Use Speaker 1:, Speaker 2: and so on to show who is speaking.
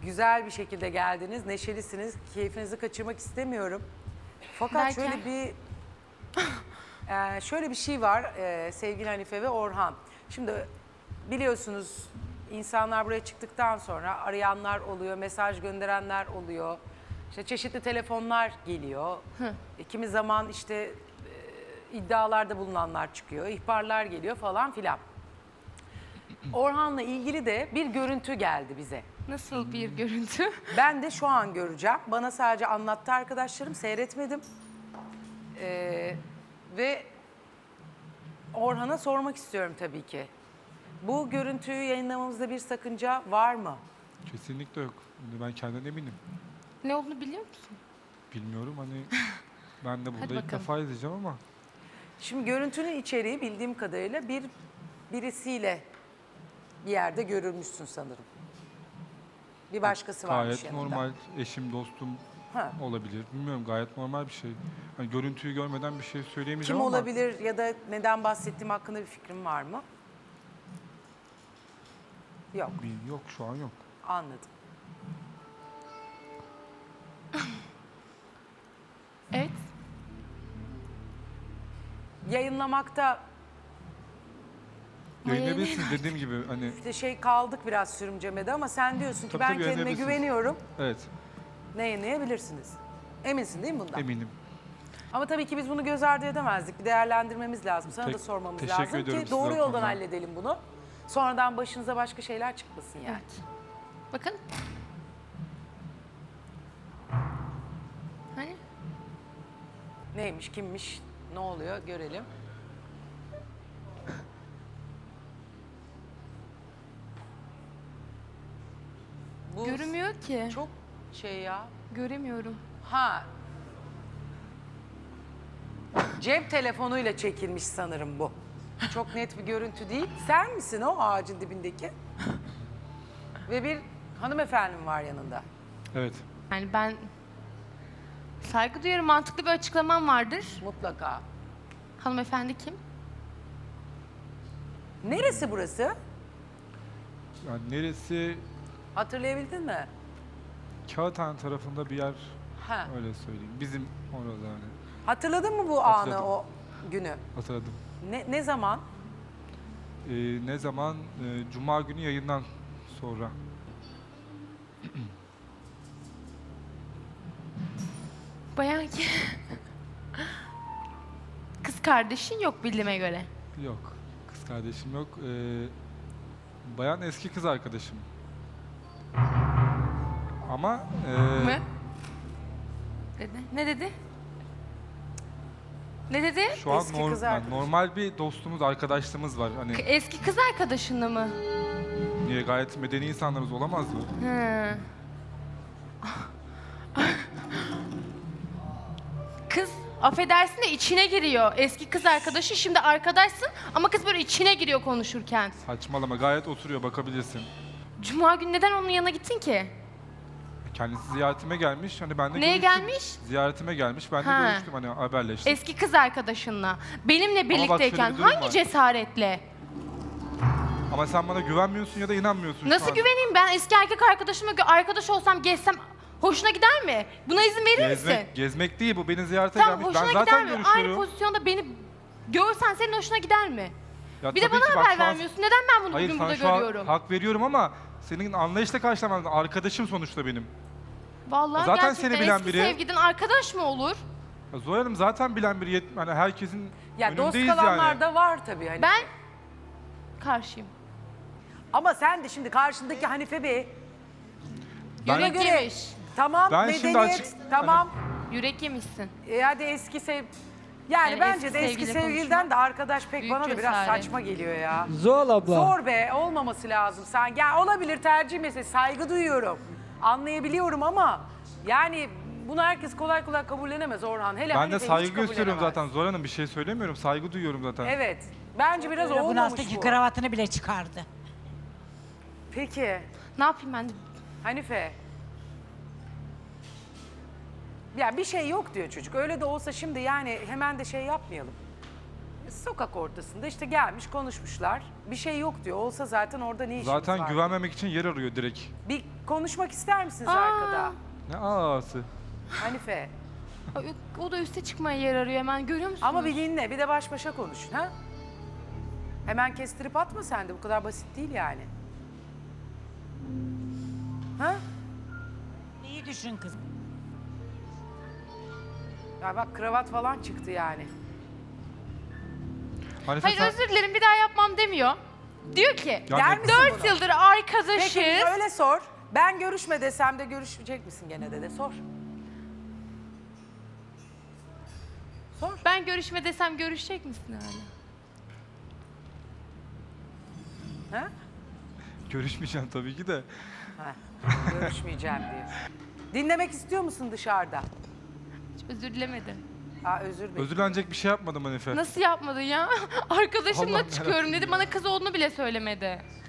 Speaker 1: güzel bir şekilde geldiniz. Neşelisiniz. Keyfinizi kaçırmak istemiyorum. Fakat
Speaker 2: Derken?
Speaker 1: şöyle bir şey var sevgili Hanife ve Orhan. Şimdi biliyorsunuz insanlar buraya çıktıktan sonra arayanlar oluyor, mesaj gönderenler oluyor. İşte çeşitli telefonlar geliyor. Kimi zaman işte iddialarda bulunanlar çıkıyor, ihbarlar geliyor falan filan. Orhan'la ilgili de bir görüntü geldi bize.
Speaker 2: Nasıl bir görüntü?
Speaker 1: Ben de şu an göreceğim. Bana sadece anlattı arkadaşlarım, seyretmedim. Ve Orhan'a sormak istiyorum tabii ki. Bu görüntüyü yayınlamamızda bir sakınca var mı?
Speaker 3: Kesinlikle yok. Ben kendimden eminim.
Speaker 2: Ne olduğunu biliyor musun?
Speaker 3: Bilmiyorum hani ben de burada
Speaker 2: Hadi
Speaker 3: ilk
Speaker 2: bakalım.
Speaker 3: defa izleyeceğim ama
Speaker 1: Şimdi görüntünün içeriği bildiğim kadarıyla birisiyle bir yerde görülmüşsün sanırım. Bir başkası varmış
Speaker 3: gayet
Speaker 1: yanında.
Speaker 3: normal eşim, dostum
Speaker 1: Ha.
Speaker 3: olabilir. Bilmiyorum gayet normal bir şey. Hani görüntüyü görmeden bir şey
Speaker 1: Kim
Speaker 3: söyleyemeyeceğim ama
Speaker 1: olabilir ya da neden bahsettiğim hakkında bir fikrin var mı? Yok,
Speaker 3: yok şu an yok.
Speaker 1: anladım.
Speaker 2: Evet.
Speaker 1: Yayınlamakta
Speaker 3: Yayınlayabilirsiniz dediğim gibi hani
Speaker 1: işte kaldık biraz sürümcemede ama sen diyorsun ki
Speaker 3: Tabii,
Speaker 1: ben
Speaker 3: tabii,
Speaker 1: kendime
Speaker 3: yayınlayabilirsiniz.
Speaker 1: güveniyorum.
Speaker 3: evet
Speaker 1: Ne yayınlayabilirsiniz? Eminsin değil mi bundan?
Speaker 3: eminim.
Speaker 1: Ama tabii ki biz bunu göz ardı edemezdik. Bir değerlendirmemiz lazım. Sana da sormamız
Speaker 3: teşekkür
Speaker 1: lazım
Speaker 3: ediyorum
Speaker 1: ki
Speaker 3: size
Speaker 1: doğru
Speaker 3: o
Speaker 1: yoldan
Speaker 3: konuda.
Speaker 1: halledelim bunu. Sonradan başınıza başka şeyler çıkmasın yani.
Speaker 2: Bakın. Hani?
Speaker 1: Neymiş, kimmiş, ne oluyor görelim. Bu
Speaker 2: Görünmüyor ki.
Speaker 1: çok şey ya.
Speaker 2: Göremiyorum.
Speaker 1: Ha. Cep telefonuyla çekilmiş sanırım bu. Çok net bir görüntü değil. Sen misin o ağacın dibindeki? Ve bir hanımefendi var yanında.
Speaker 3: Evet.
Speaker 2: Yani ben saygı duyuyorum. Mantıklı bir açıklamam vardır.
Speaker 1: Mutlaka.
Speaker 2: Hanımefendi kim?
Speaker 1: Neresi burası?
Speaker 3: Yani neresi
Speaker 1: Hatırlayabildin mi?
Speaker 3: Kağıthane tarafında bir yer
Speaker 1: Ha.
Speaker 3: öyle söyleyeyim. Bizim orada hani
Speaker 1: Hatırladın mı bu
Speaker 3: Hatırladım.
Speaker 1: anı, o günü?
Speaker 3: hatırladım.
Speaker 1: Ne zaman?
Speaker 3: Ne zaman? Cuma günü yayından sonra.
Speaker 2: Bayan ki. Kız kardeşin yok bildiğime göre.
Speaker 3: Yok. Kız kardeşim yok. Bayan eski kız arkadaşım. Ama
Speaker 2: Mı? Dedi. Ne dedi? Ne dedi?
Speaker 3: şu an
Speaker 1: Eski kız arkadaş.
Speaker 3: normal bir dostumuz, arkadaşlığımız var. Hani
Speaker 2: Eski kız arkadaşınla mı?
Speaker 3: niye gayet medeni insanlarız olamaz mı?
Speaker 2: Hı. Kız affedersin de içine giriyor. Eski kız arkadaşı şimdi arkadaşsın ama kız böyle içine giriyor konuşurken.
Speaker 3: Saçmalama gayet oturuyor bakabilirsin.
Speaker 2: Cuma günü neden onun yanına gittin ki?
Speaker 3: Kendisi ziyaretime gelmiş. Hani ben de
Speaker 2: Neye
Speaker 3: görüştüm.
Speaker 2: gelmiş?
Speaker 3: Ziyaretime gelmiş. Ben de
Speaker 2: Ha.
Speaker 3: görüştüm hani haberleştik.
Speaker 2: Eski kız arkadaşınla. Benimle
Speaker 3: bak şöyle
Speaker 2: birlikteyken
Speaker 3: bir durum
Speaker 2: hangi
Speaker 3: var.
Speaker 2: cesaretle?
Speaker 3: Ama sen bana güvenmiyorsun ya da inanmıyorsun şu
Speaker 2: Nasıl
Speaker 3: an.
Speaker 2: güveneyim ben eski erkek arkadaşımla arkadaş olsam gezsem hoşuna gider mi? Buna izin verir misin?
Speaker 3: Gezmek değil bu. Beni ziyarete
Speaker 2: Tamam
Speaker 3: gelmiş.
Speaker 2: hoşuna
Speaker 3: Ben zaten
Speaker 2: gider mi? Aynı
Speaker 3: görüşüyorum.
Speaker 2: pozisyonda beni görsen senin hoşuna gider mi?
Speaker 3: Ya
Speaker 2: Bir de
Speaker 3: tabii
Speaker 2: bana
Speaker 3: ki bak
Speaker 2: haber
Speaker 3: şu an-
Speaker 2: vermiyorsun. Neden ben bunu
Speaker 3: Hayır
Speaker 2: bugün
Speaker 3: sana
Speaker 2: burada
Speaker 3: şu an
Speaker 2: görüyorum?
Speaker 3: hak veriyorum ama senin anlayışla karşılaman lazım. Arkadaşım sonuçta benim.
Speaker 2: Vallahi
Speaker 3: Zaten
Speaker 2: gerçekten
Speaker 3: seni bilen
Speaker 2: eski
Speaker 3: biri.
Speaker 2: sevgiden arkadaş mı olur?
Speaker 3: Ya Zoya Hanım zaten bilen bir hani herkesin
Speaker 1: Ya dost
Speaker 3: önündeyiz
Speaker 1: kalanlar
Speaker 3: yani.
Speaker 1: da var tabii. Hani.
Speaker 2: Ben karşıyım.
Speaker 1: Ama sen de şimdi karşındaki Hanife Bey
Speaker 3: Ben-
Speaker 1: buna
Speaker 2: Yürek
Speaker 1: göre
Speaker 2: yemiş.
Speaker 1: tamam
Speaker 3: Ben şimdi
Speaker 1: medeniyet
Speaker 3: açık-
Speaker 1: tamam
Speaker 2: Yürek yemişsin.
Speaker 1: hadi eski yani
Speaker 2: Yani
Speaker 1: bence
Speaker 2: eski
Speaker 1: de eski
Speaker 2: sevgili
Speaker 1: sevgiliden
Speaker 2: konuşmak
Speaker 1: de arkadaş pek
Speaker 2: büyük
Speaker 1: bana da biraz
Speaker 2: cesaret.
Speaker 1: saçma geliyor ya.
Speaker 4: Zuhal abla.
Speaker 1: Zor be, olmaması lazım. Sen ya olabilir, tercih meselesi, saygı duyuyorum. Anlayabiliyorum ama yani bunu herkes kolay kolay kabullenemez Orhan. Hele
Speaker 3: Ben de
Speaker 1: Hanife'yi hiç
Speaker 3: saygı gösteriyorum
Speaker 1: kabullenemez.
Speaker 3: zaten. Zoya Hanım bir şey söylemiyorum. Saygı duyuyorum zaten.
Speaker 1: Evet. Bence biraz
Speaker 5: Bunun
Speaker 1: olmamış
Speaker 5: alttaki
Speaker 1: bu.
Speaker 5: kravatını bile çıkardı.
Speaker 1: Peki
Speaker 2: Ne yapayım ben de?
Speaker 1: Hanife. Ya bir şey yok diyor çocuk. Öyle de olsa şimdi yani hemen de şey yapmayalım. Sokak ortasında işte gelmiş konuşmuşlar. Bir şey yok diyor. Olsa zaten orada ne işimiz var?
Speaker 3: Zaten güvenmemek için yer arıyor direkt.
Speaker 1: Bir konuşmak ister misiniz
Speaker 2: Aa.
Speaker 1: arkada?
Speaker 3: Ne ağası?
Speaker 1: Hanife.
Speaker 2: Ay, o da üste çıkmaya yer arıyor hemen, görüyor musunuz?
Speaker 1: Ama bir dinle, bir de baş başa konuşun ha? Hemen kestirip atma sen de, bu kadar basit değil yani. Ha?
Speaker 4: İyi düşün kız.
Speaker 1: Ya bak kravat falan çıktı yani.
Speaker 3: Hanife
Speaker 2: Hayır
Speaker 3: sen...
Speaker 2: özür dilerim, bir daha yapmam demiyor. Diyor ki
Speaker 3: Yani-
Speaker 1: Der misin
Speaker 2: 4
Speaker 1: bunu?
Speaker 2: yıldır arkadaşız.
Speaker 1: Peki öyle sor. Ben görüşme desem de görüşecek misin gene de sor. Sor.
Speaker 2: Ben görüşme desem görüşecek misin hala?
Speaker 1: Ha?
Speaker 3: Görüşmeyeceğim tabii ki de.
Speaker 1: Ha, görüşmeyeceğim diyor. Dinlemek istiyor musun dışarıda?
Speaker 2: Hiç özür dilemedi.
Speaker 1: Ha, özür dilerim.
Speaker 3: Özürlenecek bir şey yapmadım Hanife.
Speaker 2: Nasıl yapmadın ya? Arkadaşımla
Speaker 3: Allah'ım
Speaker 2: çıkıyorum
Speaker 3: yarabbim
Speaker 2: dedi,
Speaker 3: ya.
Speaker 2: bana kız olduğunu bile söylemedi.